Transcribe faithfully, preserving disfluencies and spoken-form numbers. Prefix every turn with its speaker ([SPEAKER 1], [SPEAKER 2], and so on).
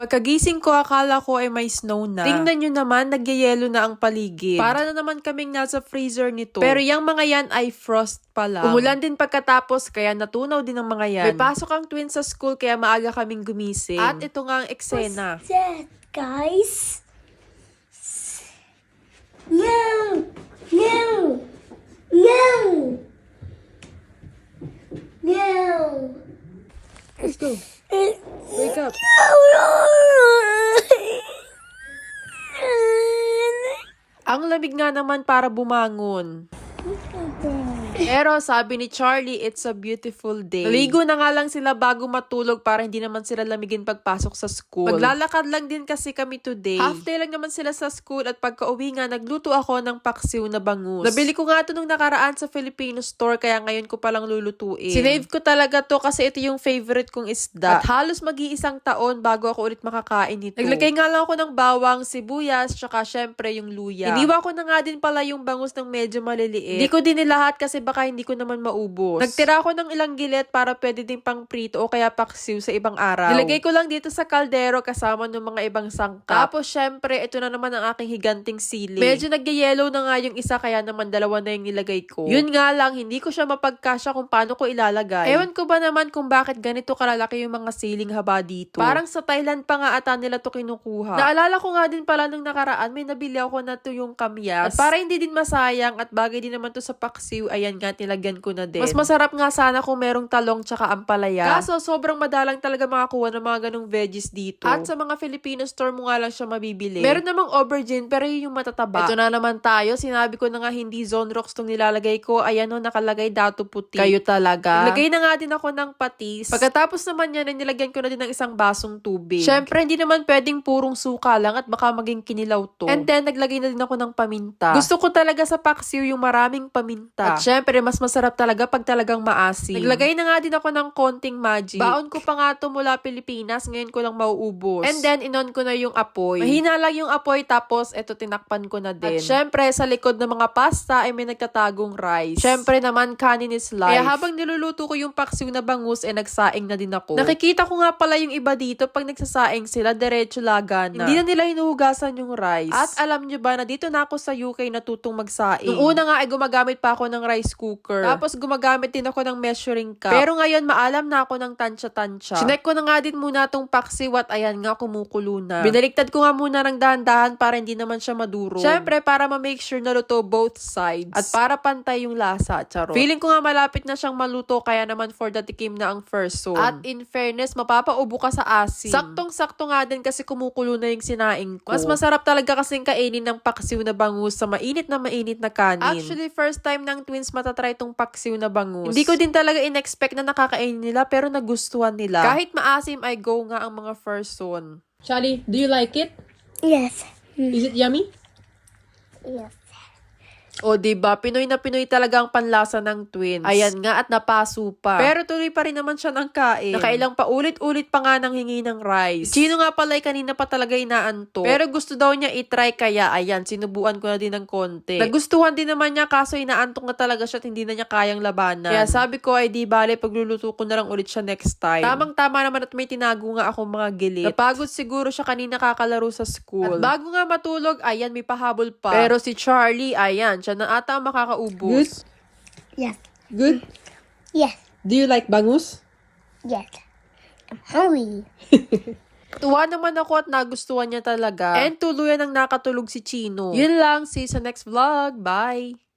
[SPEAKER 1] Pagkagising ko, akala ko ay may snow na. Tingnan nyo naman, nagyayelo na ang paligid. Para na naman kaming nasa freezer nito. Pero yung mga yan ay frost pa lang. Umulan din pagkatapos, kaya natunaw din ang mga yan. May pasok ang twins sa school, kaya maaga kaming gumising. At ito nga ang eksena.
[SPEAKER 2] What's that, guys? No! No! No! No!
[SPEAKER 1] Let's go. Wake up. Ang lamig nga naman para bumangon. Pero sabi ni Charlie, it's a beautiful day. Naligo na nga lang sila bago matulog para hindi naman sila lamigin pagpasok sa school. Maglalakad lang din kasi kami today. Half day lang naman sila sa school at pagka-uwi nga, nagluto ako ng paksiw na bangus. Nabili ko nga ito nung nakaraan sa Filipino store kaya ngayon ko palang lulutuin. Sinave ko talaga to kasi ito yung favorite kong isda. At halos mag-iisang taon bago ako ulit makakain nito. Naglagay nga lang ako ng bawang, sibuyas, tsaka syempre yung luya. Iniwa ko na nga din pala yung bangus ng medyo maliliit. Hindi ko din nilahat kasi baka hindi ko naman maubos. Nagtira ako ng ilang gilet para pwede din pang prito o kaya paksiw sa ibang araw. Nilagay ko lang dito sa kaldero kasama ng mga ibang sangkap. Tapos syempre, ito na naman ang aking higanting sili. Medyo nagyayellow na nga yung isa kaya naman dalawa na yung nilagay ko. Yun nga lang, hindi ko siya mapagkasya kung paano ko ilalagay. Ewan ko ba naman kung bakit ganito kalalaki yung mga siling haba dito. Parang sa Thailand pa nga ata nila to kinukuha. Naalala ko nga din pala nung nakaraan, may nabili ako na to yung kamyas. At para hindi din masayang at bagay din naman to sa paksiw, ayan nga, nilagyan ko na din. Mas masarap nga sana kung merong talong tsaka ampalaya. Kaso, sobrang madalang talaga makakuha ng mga ganong veggies dito. At sa mga Filipino store mo nga lang siya mabibili. Meron namang aubergine, pero yun yung matataba. Ito na naman tayo. Sinabi ko na nga hindi zone rocks tong nilalagay ko. Ayan o, nakalagay dato puti. Kayo talaga. Nilagay na nga din ako ng patis. Pagkatapos naman yan, nilagyan ko na din ng isang basong tubig. Syempre, hindi naman pwedeng purong suka lang at baka maging kinilaw to. And then, naglagay na din ako ng paminta. Gusto ko talaga sa paksiw yung maraming paminta. At syempre, mas masarap talaga pag talagang maasim. Naglagay na nga din ako ng konting magic. Baon ko pa nga to mula Pilipinas, ngayon ko lang mauubos. And then, inon ko na yung apoy. Mahina lang yung apoy, tapos eto tinakpan ko na din. At syempre, sa likod ng mga pasta ay may nagtatagong rice. Syempre naman, kanin is life. Kaya habang niluluto ko yung paksiw na bangus, eh nagsaing na din ako. Nakikita ko nga pala yung iba dito, pag nagsasaing sila, diretso laga na. Hindi na nila hinuhugasan yung rice. At alam nyo ba na dito na ako sa U K natutong magsaing. Nung una nga ay gumagamit pa ako ng rice cooker. Tapos gumagamit din ako ng measuring cup. Pero ngayon maalam na ako ng tansya-tansya. Sinek ko na nga din muna tong paksiw at ayan nga kumukulo na. Binaliktad ko nga muna ng dahan-dahan para hindi naman siya maduro. Syempre para ma-make sure na luto both sides. At para pantay yung lasa, charot. Feeling ko nga malapit na siyang maluto kaya naman for the tikim na ang first zone. At in fairness, mapapaubo ka sa asin. Saktong-sakto nga din kasi kumukulo na yung sinaing ko. Mas masarap talaga kasing kainin ng paksiw na bangus sa mainit na mainit na kanin. Actually, first time ng twins matatry tong paksiw na bangus. Hindi ko din talaga in-expect na nakakainin nila pero nagustuhan nila. Kahit maasim ay go nga ang mga first zone.
[SPEAKER 3] Charlie, do you like it?
[SPEAKER 2] Yes.
[SPEAKER 3] Is it yummy?
[SPEAKER 2] Yes.
[SPEAKER 1] O, diba? Pinoy na Pinoy talaga ang panlasa ng twins. Ayan nga, at napaso pa. Pero tuloy pa rin naman siya ng kain. Nakailang pa ulit-ulit pa nga nang hingi ng rice. Chino nga pala ay kanina pa talaga inaanto. Pero gusto daw niya itry kaya, ayan, sinubuan ko na din ng konti. Nagustuhan din naman niya kaso inaantok na talaga siya at hindi na niya kayang labanan. Kaya sabi ko ay di bale, pagluluto ko na lang ulit siya next time. Tamang-tama naman at may tinago nga akong mga gilit. Napagod siguro siya kanina kakalaro sa school. At bago nga matulog, ayan, may pahabol pa. Pero si Charlie, ayan, siya na ata ang makakaubos.
[SPEAKER 2] Yes.
[SPEAKER 3] Good?
[SPEAKER 2] Yes.
[SPEAKER 3] Do you like bangus?
[SPEAKER 2] Yes. I'm hungry.
[SPEAKER 1] Tuwa naman ako at nagustuhan niya talaga. And tuluyan ang nakatulog si Chino. Yun lang, see you sa next vlog. Bye!